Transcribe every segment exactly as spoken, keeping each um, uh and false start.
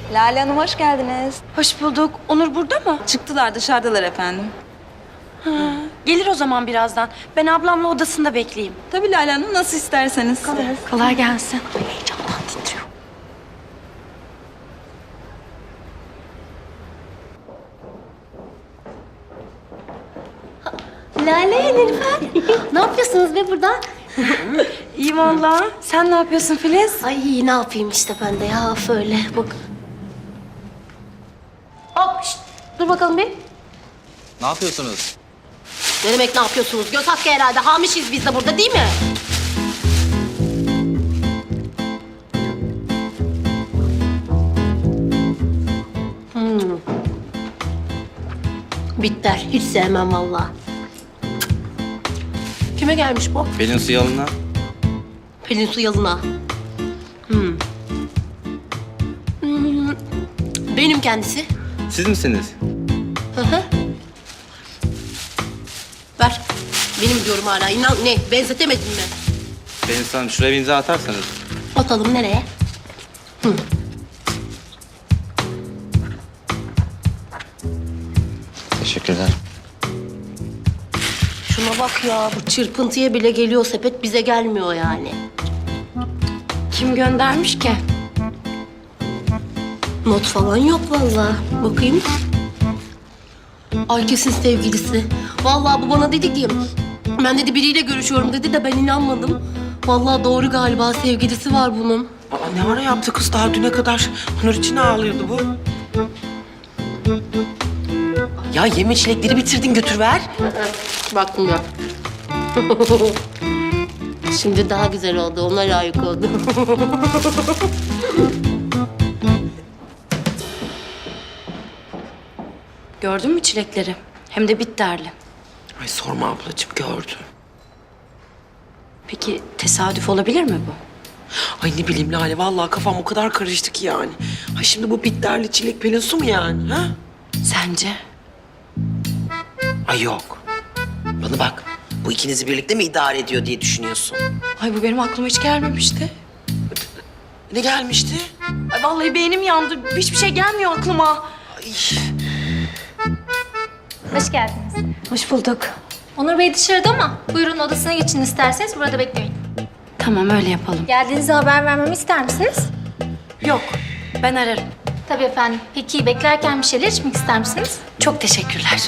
Lale Hanım hoş geldiniz. Hoş bulduk. Onur burada mı? Çıktılar dışarıdalar efendim. Ha, gelir o zaman birazdan. Ben ablamla odasında bekleyeyim. Tabii Lale Hanım nasıl isterseniz. Kolay gelsin. Ay, heyecandan titriyor. Lale, Nilüfer. Ne yapıyorsunuz be burada? İyi vallahi. Sen ne yapıyorsun Filiz? Ay ne yapayım işte ben de ya öyle bak. Hop şişt, dur bakalım bir. Ne yapıyorsunuz? Ne demek ne yapıyorsunuz? Göz hakkı herhalde. Hamişiz biz de burada değil mi? Hmm. Bitter. Hiç sevmem vallahi. Kime gelmiş bu? Pelin su yalına. Pelin su yalına. Hmm. Hmm. Benim kendisi. Siz misiniz? Hı hı. Ver. Benim diyorum hala. İnan ne? Benzetemedin mi? Pelin su Hanım şuraya bir imza atarsanız. Atalım nereye? Hı. Teşekkürler. Şuna bak ya. Bu çırpıntıya bile geliyor sepet. Bize gelmiyor yani. Kim göndermiş ki? Not falan yok vallahi. Bakayım. Ay kesin sevgilisi. Vallahi bu bana dedi ki... Ben dedi biriyle görüşüyorum dedi de ben inanmadım. Vallahi doğru galiba sevgilisi var bunun. Aa, ne ara yaptı kız? Daha düne kadar Onur için ağlıyordu bu. Ya yeme çilekleri bitirdin, götür ver. Baktım ya. Şimdi daha güzel oldu. Ona layık oldu. Gördün mü çilekleri? Hem de bitterli. Ay sorma ablacığım, gördüm. Peki tesadüf olabilir mi bu? Ay ne bileyim Lale, vallahi kafam o kadar karıştı ki yani. Ay şimdi bu bitterli çilek Pelin su mu yani, ha? Sence? Ay yok. Bana bak, bu ikinizi birlikte mi idare ediyor diye düşünüyorsun? Ay bu benim aklıma hiç gelmemişti. Ne gelmişti? Ay vallahi beynim yandı. Hiçbir şey gelmiyor aklıma. Ay. Hoş geldiniz. Hoş bulduk. Onur Bey dışarıda ama buyurun odasına geçin isterseniz burada bekleyin. Tamam öyle yapalım. Geldiğinizde haber vermemi ister misiniz? Yok ben ararım. Tabii efendim. Peki beklerken bir şeyler içmek ister misiniz? Çok teşekkürler.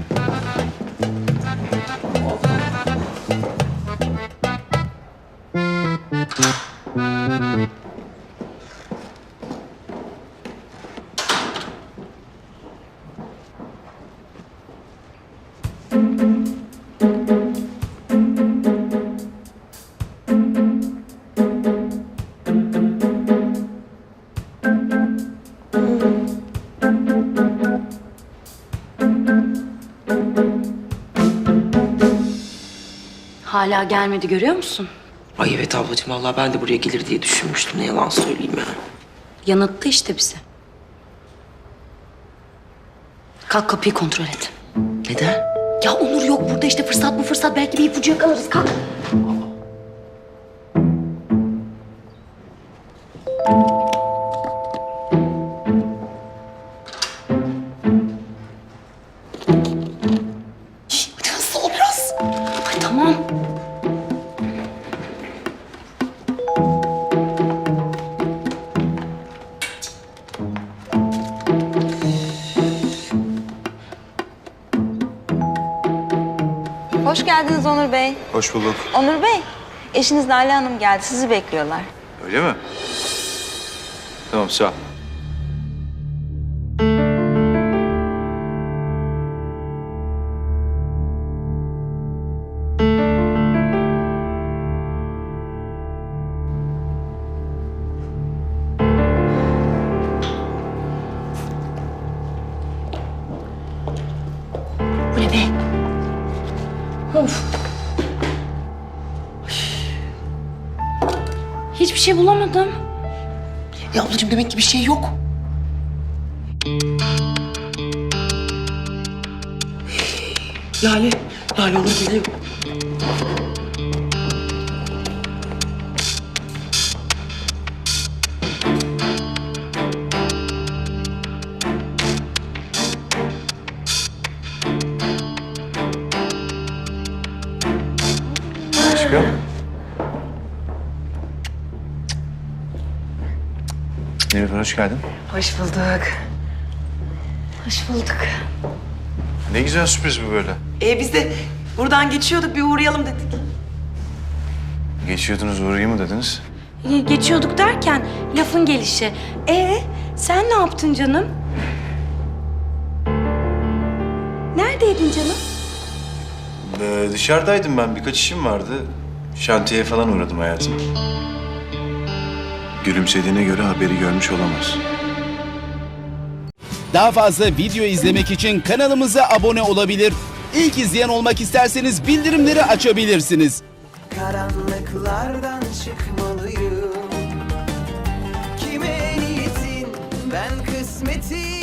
Hala gelmedi görüyor musun? Ay evet ablacığım, vallahi ben de buraya gelir diye düşünmüştüm. Ne yalan söyleyeyim yani. Yanılttı işte bizi. Kalk kapıyı kontrol et. Neden? Ya Onur yok burada işte fırsat bu fırsat. Belki bir ipucu yakalarız. Kalk. Şişt, hadi hızlı ol biraz. Ay tamam. Hoş geldiniz Onur Bey. Hoş bulduk. Onur Bey, eşiniz Lale Hanım geldi. Sizi bekliyorlar. Öyle mi? Tamam sağ ol. Bu ne be? Of. Hiçbir şey bulamadım. Ya ablacığım demek ki bir şey yok. Lale, Lale olur geliyor. Aşkım. Nilüfer hoş geldin. Hoş bulduk. Hoş bulduk. Ne güzel sürpriz bu böyle. Ee, biz de buradan geçiyorduk, bir uğrayalım dedik. Geçiyordunuz uğrayayım mı dediniz? Ge- Geçiyorduk derken lafın gelişi. Ee, sen ne yaptın canım? Neredeydin canım? Ee, dışarıdaydım ben. Birkaç işim vardı. Şantiyeye falan uğradım hayatım. Gülümsediğine göre haberi görmüş olamaz. Daha fazla video izlemek için kanalımıza abone olabilir. İlk izleyen olmak isterseniz bildirimleri açabilirsiniz. Karanlıklardan çıkmalıyım. Kime niyetin ben kısmetin